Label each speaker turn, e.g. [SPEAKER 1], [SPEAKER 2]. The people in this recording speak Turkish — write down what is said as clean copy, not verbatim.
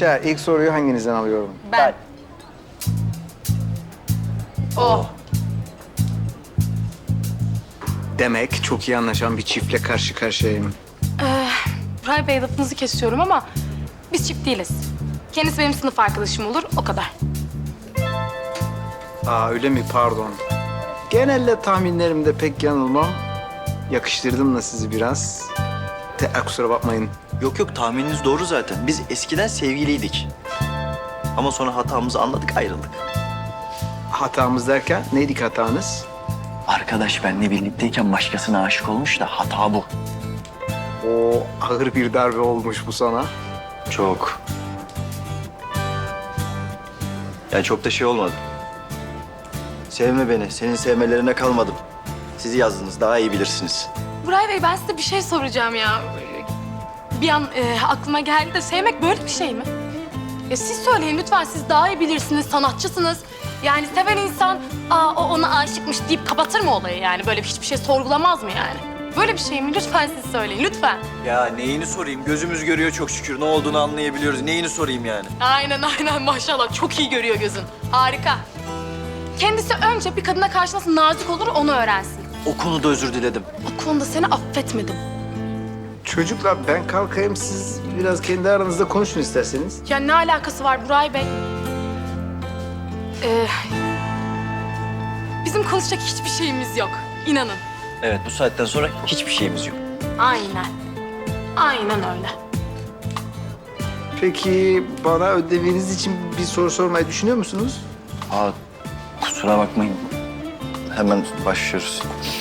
[SPEAKER 1] Gençler ilk soruyu hanginizden alıyorum?
[SPEAKER 2] Ben. Oh.
[SPEAKER 1] Demek çok iyi anlaşan bir çiftle karşı karşıyayım.
[SPEAKER 2] Buray Bey, lafınızı kesiyorum ama biz çift değiliz. Kendisi benim sınıf arkadaşım olur, o kadar.
[SPEAKER 1] Aa öyle mi? Pardon. Genelde tahminlerimde pek yanılmam. Yakıştırdım da sizi biraz. Kusura bakmayın.
[SPEAKER 3] Yok yok, tahmininiz doğru zaten. Biz eskiden sevgiliydik. Ama sonra hatamızı anladık, ayrıldık.
[SPEAKER 1] Hatamız derken neydi ki hatanız?
[SPEAKER 3] Arkadaş benle birlikteyken başkasına aşık olmuş da hata bu.
[SPEAKER 1] O ağır bir darbe olmuş bu sana.
[SPEAKER 3] Çok. Yani çok da şey olmadı. Sevme beni, senin sevmelerine kalmadım. Sizi yazdınız, daha iyi bilirsiniz.
[SPEAKER 2] Buray Bey, ben size bir şey soracağım ya. Bir an aklıma geldi de sevmek böyle bir şey mi? Ya siz söyleyin lütfen, siz daha iyi bilirsiniz, sanatçısınız. Yani seven insan, o ona aşıkmış deyip kapatır mı olayı yani? Böyle hiçbir şey sorgulamaz mı yani? Böyle bir şey mi? Lütfen siz söyleyin, lütfen.
[SPEAKER 3] Ya neyini sorayım? Gözümüz görüyor çok şükür. Ne olduğunu anlayabiliyoruz. Neyini sorayım yani?
[SPEAKER 2] Aynen maşallah, çok iyi görüyor gözün. Harika. Kendisi önce bir kadına karşı nasıl nazik olur onu öğrensin.
[SPEAKER 3] O konuda özür diledim.
[SPEAKER 2] O konuda seni affetmedim.
[SPEAKER 1] Çocuklar ben kalkayım, siz biraz kendi aranızda konuşun isterseniz.
[SPEAKER 2] Ya ne alakası var Buray Bey? Bizim konuşacak hiçbir şeyimiz yok. İnanın.
[SPEAKER 3] Evet, bu saatten sonra hiçbir şeyimiz yok.
[SPEAKER 2] Aynen. Aynen öyle.
[SPEAKER 1] Peki bana ödeviniz için bir soru sormayı düşünüyor musunuz?
[SPEAKER 3] Kusura bakmayın. Hemen başlıyoruz.